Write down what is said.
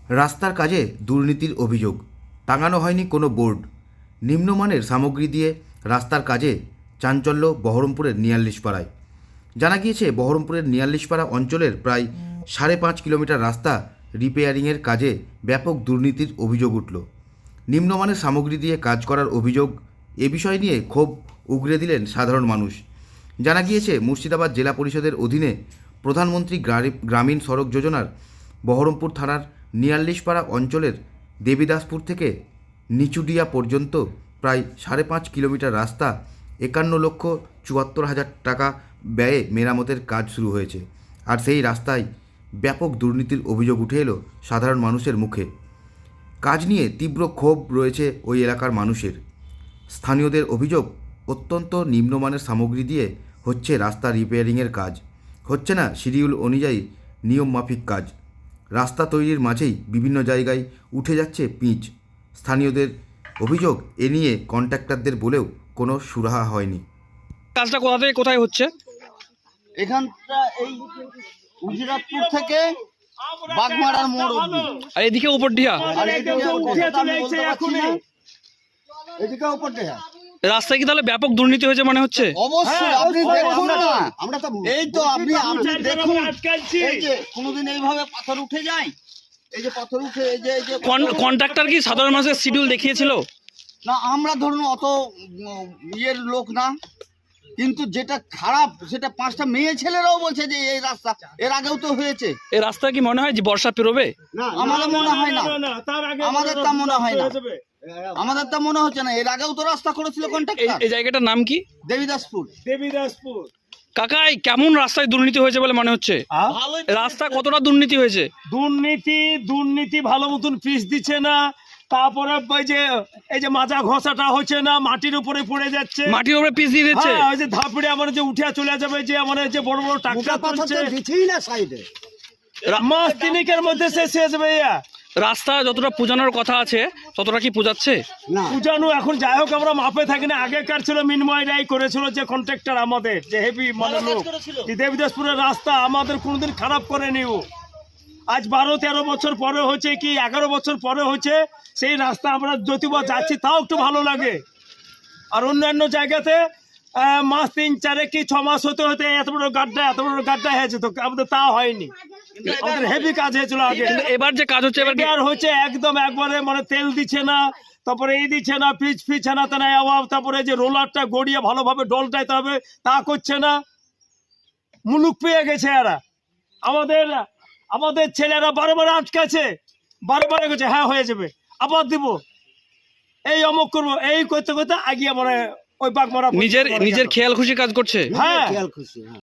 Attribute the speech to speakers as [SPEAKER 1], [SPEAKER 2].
[SPEAKER 1] রাস্তার কাজে দুর্নীতির অভিযোগ, টাঙানো হয়নি কোনো বোর্ড। নিম্নমানের সামগ্রী দিয়ে রাস্তার কাজে চাঞ্চল্য বহরমপুরের নিয়াল্লিশপাড়ায়। জানা গিয়েছে, বহরমপুরের নিয়াল্লিশপাড়া অঞ্চলের প্রায় 5.5 কিলোমিটার রাস্তা রিপেয়ারিংয়ের কাজে ব্যাপক দুর্নীতির অভিযোগ উঠল। নিম্নমানের সামগ্রী দিয়ে কাজ করার অভিযোগ, এ বিষয় নিয়ে ক্ষোভ উগরে দিলেন সাধারণ মানুষ। জানা গিয়েছে, মুর্শিদাবাদ জেলা পরিষদের অধীনে প্রধানমন্ত্রী গ্রামীণ সড়ক যোজনার বহরমপুর থানার নিয়াল্লিশপাড়া অঞ্চলের দেবীদাসপুর থেকে নিচুডিয়া পর্যন্ত প্রায় 5.5 কিলোমিটার রাস্তা 51,74,000 টাকা ব্যয়ে মেরামতের কাজ শুরু হয়েছে। আর সেই রাস্তায় ব্যাপক দুর্নীতির অভিযোগ উঠে এলো সাধারণ মানুষের মুখে। কাজ নিয়ে তীব্র ক্ষোভ রয়েছে ওই এলাকার মানুষের। স্থানীয়দের অভিযোগ, অত্যন্ত নিম্নমানের সামগ্রী দিয়ে হচ্ছে রাস্তা রিপেয়ারিংয়ের কাজ, হচ্ছে না শিডিউল অনুযায়ী নিয়মমাফিক কাজ। রাস্তা তৈরির মাঝেই বিভিন্ন জায়গায় উঠে যাচ্ছে পিচ। স্থানীয়দের অভিযোগ, এ নিয়ে কন্ট্রাক্টরদের বলেও কোনো সুরাহা হয়নি।
[SPEAKER 2] কাজটা কোথা থেকে কোথায় হচ্ছে?
[SPEAKER 3] এখানটা এই উজিরাতপুর থেকে বাগমারার মোড় অবধি।
[SPEAKER 2] আর এদিকে উপরডিহা
[SPEAKER 3] আর এদিকে উপর দেয়া।
[SPEAKER 2] রাস্তায় কি তাহলে ব্যাপক দুর্নীতি হয়েছে মনে হচ্ছে?
[SPEAKER 3] অবশ্যই আপনি দেখুন না, আমরা তো এই তো আপনি দেখুন, এই যে কোনোদিন এইভাবে পাথর উঠে যায়, এই যে পাথর উঠে, এই যে
[SPEAKER 2] কন্ট্রাক্টর কি সাধারণ মানুষের শিডিউল দেখিয়েছিল?
[SPEAKER 3] না, আমরা ধরুন অত ইয়ের লোক না, কিন্তু যেটা খারাপ সেটা 5টা মেয়ে ছেলেরাও বলছে যে এই রাস্তা এর আগেও তো হয়েছে।
[SPEAKER 2] এই রাস্তা কি মনে হয় যে বর্ষা পেরোবে?
[SPEAKER 3] আমাদের মনে হয় না, আমাদের তা মনে হয় না, আমাদের তা মনে হচ্ছে না। এর আগেও তো রাস্তা করেছিল কন্ট্রাক্টর।
[SPEAKER 2] এই জায়গাটার নাম কি?
[SPEAKER 3] দেবীদাসপুর।
[SPEAKER 2] কাকা, এই কেমন রাস্তায় দুর্নীতি হয়েছে বলে মনে হচ্ছে? রাস্তা কতটা দুর্নীতি হয়েছে?
[SPEAKER 4] দুর্নীতি ভালো মতন পিচ দিচ্ছে না। তারপরে এই যে মাজা ঘষাটা হচ্ছে না, মাটির উপরে পড়ে যাচ্ছে,
[SPEAKER 2] মাটির উপরে পিচ দিয়ে দিচ্ছে।
[SPEAKER 4] ওই যে ধাপড়ে আমার যে উঠে চলে যাবে, যে আমার যে বড় বড় টাকা মাস তিনিকের মধ্যে শেষ হয়ে যাবে।
[SPEAKER 2] রাস্তা যতটা পূজানোর কথা আছে ততটা কি পূজাচ্ছে?
[SPEAKER 4] পূজানো এখন যাই হোক, আমরা মাপে থাকি না। আগেকার ছিল মিনময় রায় করেছিল যে কন্ট্রাক্টর, আমাদের যে হেভি মানে লোক, দেবীদাসপুরের রাস্তা আমাদের কোনোদিন খারাপ করেনি ও। আজ 12-13 বছর পরে হয়েছে কি 11 বছর পরে হয়েছে, সেই রাস্তা আমরা যদিবা যাচ্ছি তাও একটু ভালো লাগে। আর অন্যান্য জায়গাতে মাস 3-4 কি 6 মাস হতে হতে এত বড় গাড্ডা হয়েছে, তো আমাদের তা হয়নি। আমাদের হেভি কাজ হয়েছিল আগে।
[SPEAKER 2] এবার যে কাজ হচ্ছে
[SPEAKER 4] এবার হচ্ছে একদম একবারে মানে তেল দিচ্ছে না, তারপরে এই দিচ্ছে না, পিচ না অভাব, তারপরে যে রোলারটা গড়িয়ে ভালোভাবে ডলটাইতে হবে তা করছে না। মুলুক পেয়ে গেছে এরা। আমাদের ছেলেরা বারবার আটকাছে, বারবার গেছে হ্যাঁ হয়ে যাবে, আবার দিব, এই অমুক করবো, এই করতে করতে আগিয়ে মানে ওই বাঘ মারা
[SPEAKER 2] নিজের খেয়াল খুশি কাজ করছে।
[SPEAKER 4] হ্যাঁ।